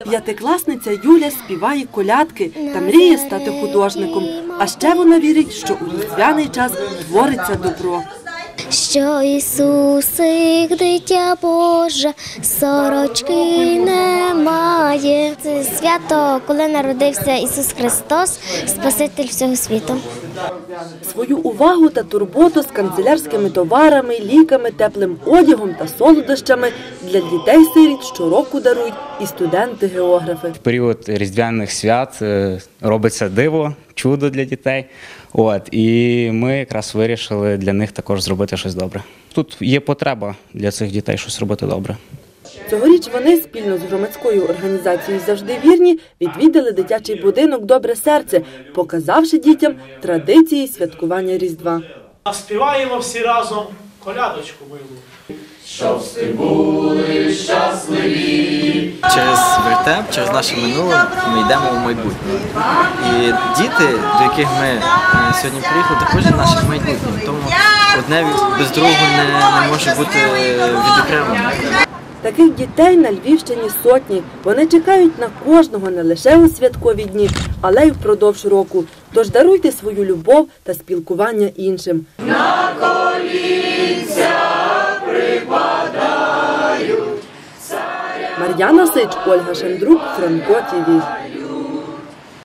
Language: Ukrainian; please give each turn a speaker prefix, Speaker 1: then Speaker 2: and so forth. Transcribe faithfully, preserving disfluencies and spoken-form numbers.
Speaker 1: П'ятикласниця Юля співає колядки та мріє стати художником. А ще вона вірить, що у різдвяний час твориться добро.
Speaker 2: Що Ісусик, дитя Боже, сорочки немає. Це свято, коли народився Ісус Христос, Спаситель всього світу.
Speaker 1: Свою увагу та турботу з канцелярськими товарами, ліками, теплим одягом та солодощами для дітей-сиріт щороку дарують і студенти-географи.
Speaker 3: В період різдвяних свят робиться диво, чудо для дітей. От, і ми якраз вирішили для них також зробити щось добре. Тут є потреба для цих дітей щось робити добре.
Speaker 1: Цьогоріч вони спільно з громадською організацією «Завжди вірні» відвідали дитячий будинок «Добре серце», показавши дітям традиції святкування Різдва.
Speaker 4: Співаємо всі разом колядочку милу.
Speaker 5: Щоб всі були щасливі.
Speaker 6: Через вертеп, через наше минуле ми йдемо в майбутнє. І діти, до яких ми сьогодні приїхали, також є нашим майбутнім. Тому одне без другого не, не може бути відокремлено.
Speaker 1: Таких дітей на Львівщині сотні. Вони чекають на кожного не лише у святкові дні, але й впродовж року. Тож даруйте свою любов та спілкування іншим.
Speaker 5: На колінця припадають.
Speaker 1: Мар'яна Сич, Ольга Шандрук, Франко ТІВІ.